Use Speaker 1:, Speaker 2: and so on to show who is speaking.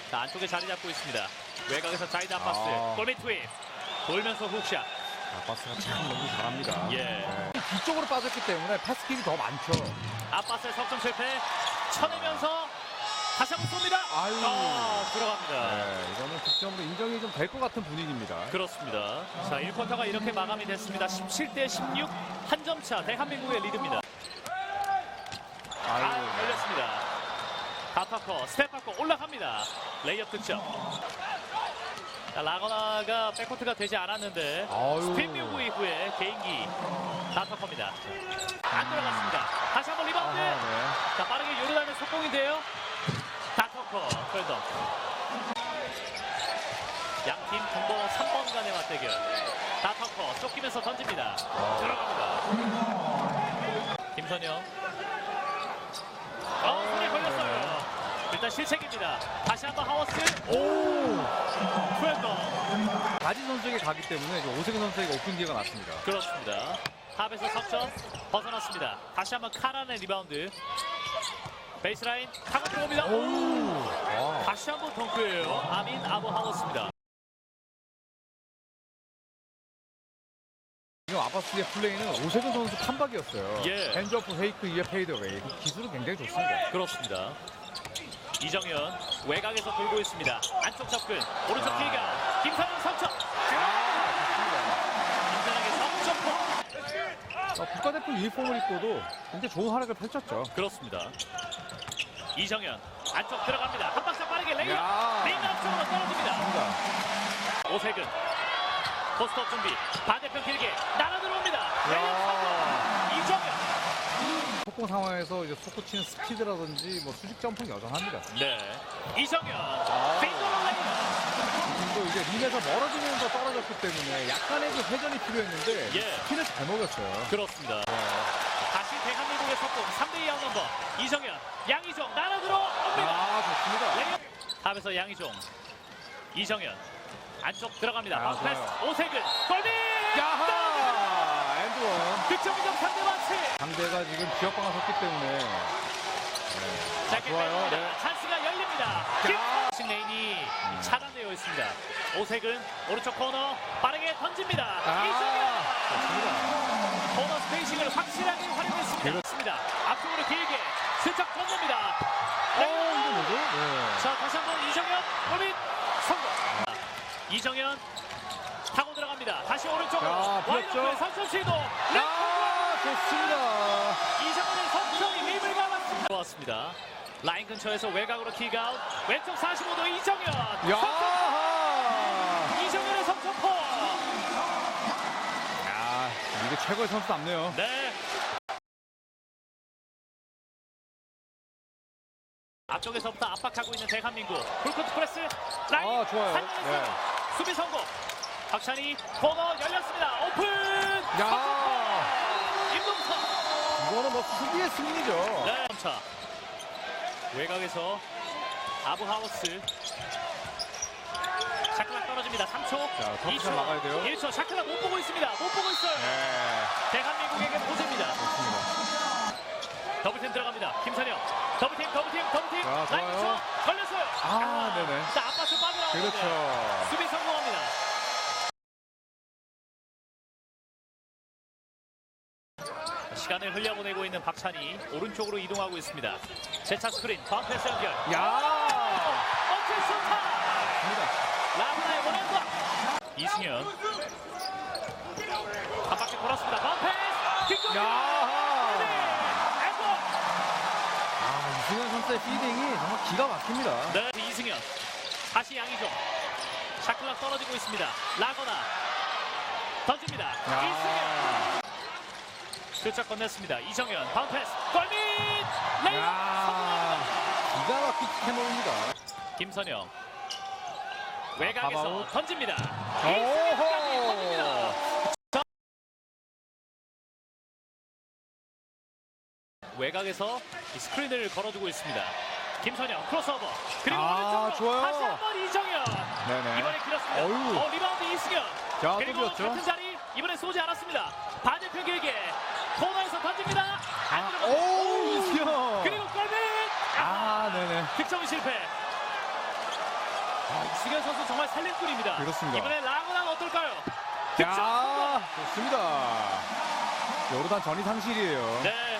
Speaker 1: 자, 안쪽에 자리 잡고 있습니다. 외곽에서 자이드 아바스 골밑 투입 돌면서 훅샷.
Speaker 2: 아바스가 참 너무 잘합니다.
Speaker 1: 예.
Speaker 2: 네. 뒤쪽으로 빠졌기 때문에 패스킥이 더 많죠.
Speaker 1: 아바스의 석점 실패. 쳐내면서 다시 한번 쏩니다.
Speaker 2: 아유.
Speaker 1: 들어갑니다.
Speaker 2: 네, 이거는 득점으로 인정이 좀 될 것 같은 분위기입니다.
Speaker 1: 그렇습니다. 자, 1쿼터가 이렇게 마감이 됐습니다. 17대 16, 한 점 차 대한민국의 리드입니다. 걸렸습니다. 다타커 스텝바꿔 올라갑니다. 레이업 득점. 자, 라거나가 백코트가 되지 않았는데 스핀 뮤브 이후에 개인기 다타커입니다. 안 들어갔습니다. 다시 한번 리바운드. 자, 빠르게 요르단의 속공인데요. 다타커 트랜덤. 양팀 공동 3번 간의 맞대결. 다타커 쫓기면서 던집니다. 들어갑니다. 김선영. 손에 걸렸어요. 일단 실책입니다. 다시 한번 하워스. 트랜덤.
Speaker 2: 바지 선수에게 가기 때문에 오세근 선수에게 오픈 기회가 났습니다.
Speaker 1: 그렇습니다. 탑에서 석점 벗어났습니다. 다시 한번 카란의 리바운드. 베이스라인 타고 들어옵니다. 다시 한번 덩크예요. 아민 아부 하워스입니다.
Speaker 2: 지금 아바스의 플레이는 오세근 선수 판박이었어요.
Speaker 1: 예.
Speaker 2: 핸즈오프 페이크 이에 페이드웨이. 기술은 굉장히 좋습니다.
Speaker 1: 그렇습니다. 이정현 외곽에서 돌고 있습니다. 안쪽 접근 오른쪽 길가 김선영 석점. 김선영의 석점포.
Speaker 2: 국가대표 유니폼을 입고도 굉장히 좋은 활약을 펼쳤죠.
Speaker 1: 그렇습니다. 이정현 안쪽 들어갑니다. 한 박자 빠르게 레이업. 레이업 앞쪽으로 떨어집니다. 오세근 포스트업 준비. 반대편 길게 날아 들어옵니다. 레이업 성공. 이정현.
Speaker 2: 속공 상황에서 이제 속구 치는 스피드라든지 뭐 수직 점프는 여전합니다.
Speaker 1: 네. 이정현. 페이드로 레이업.
Speaker 2: 또 이제 림에서 멀어지면서 떨어졌기 때문에 약간의 그 회전이 필요했는데 스피드를 잘 먹였어요.
Speaker 1: 그렇습니다. 다시 대한민국의 석공 3대2 아웃넘버. 이정현 양희종 날아 들어옵니다.
Speaker 2: 좋습니다.
Speaker 1: 탑에서 양희종. 이정현 안쪽 들어갑니다. 패스
Speaker 2: 좋아요.
Speaker 1: 오세근 골밑.
Speaker 2: 엔드원.
Speaker 1: 득점 2점 3대 마치.
Speaker 2: 상대가 지금 지역방을 섰기 때문에
Speaker 1: 좋아요. 네. 찬스가 열립니다. 김 레인이 차단되어 있습니다. 오세근 오른쪽 코너 빠르게 던집니다. 이정현 코너 스페이싱을 확실하게 활용했습니다. 그렇습니다. 앞쪽으로 길게 슬쩍 던집니다.
Speaker 2: 이거 뭐죠?
Speaker 1: 자, 다시 한번 이정현 골밑 성공. 이정현 타고 들어갑니다. 다시 오른쪽으로 와이드오픈 선점 시도.
Speaker 2: 좋습니다.
Speaker 1: 이정현의 석점이 림을 감았습니다. 좋았습니다. 라인 근처에서 외곽으로 킥아웃. 왼쪽 45도 이정현. 이정현의 석점포.
Speaker 2: 이게 최고의 선수답네요.
Speaker 1: 네. 앞쪽에서부터 압박하고 있는 대한민국. 풀코트 프레스 라인.
Speaker 2: 좋아요.
Speaker 1: 수비 성공. 박찬희 코너 열렸습니다. 오픈. 임동선.
Speaker 2: 이거는 뭐 수비의 승리죠.
Speaker 1: 네. 차. 외곽에서 아부하우스. 샤클락 떨어집니다. 3초. 2초.
Speaker 2: 막아야 돼요.
Speaker 1: 1초. 샤클락 못 보고 있습니다. 못 보고 있어요. 대한민국에게 보세입니다. 더블팀 들어갑니다. 김선영. 더블팀. 라인 2초. 걸렸어요.
Speaker 2: 네네.
Speaker 1: 자, 앞바스 빠져나오는데.
Speaker 2: 그렇죠.
Speaker 1: 수비 성공합니다. 시간을 흘려보내고 있는 박찬희. 오른쪽으로 이동하고 있습니다. 재차 스크린. 바운패스 연결. 어쩔 수 없다. 라브나의 원앤더. 이승현. 한 바퀴 돌았습니다. 바운패스. 킥.
Speaker 2: 이승현 선수의 피딩이 정말 기가 막힙니다.
Speaker 1: 네, 이승현. 다시 양희종. 샤클락 떨어지고 있습니다. 라거나 던집니다. 이승현. 슬쩍 건넸습니다. 이정현 바운패스 골밑 레이업 성공합니다.
Speaker 2: 기가 막힌 캐논입니다.
Speaker 1: 김선영 외곽에서
Speaker 2: 가바웃.
Speaker 1: 던집니다.
Speaker 2: 오호.
Speaker 1: 던집니다. 외곽에서 이 스크린을 걸어주고 있습니다. 김선영 크로스오버 그리고 오른쪽으로
Speaker 2: 좋아요.
Speaker 1: 다시 한번 이정현. 이번에 길었습니다. 리바운드 이승현. 그리고 같은 자리 이번에 쏘지 않았습니다. 반대편 길게 코너에서 던집니다. 안 들어갑니다.
Speaker 2: 이승현.
Speaker 1: 그리고 골밑.
Speaker 2: 네네.
Speaker 1: 득점 실패. 이승현 선수 정말 살림꾼입니다.
Speaker 2: 그렇습니다.
Speaker 1: 이번에 라그난 어떨까요?
Speaker 2: 야, 좋습니다. 요르단 전이 상실이에요.
Speaker 1: 네,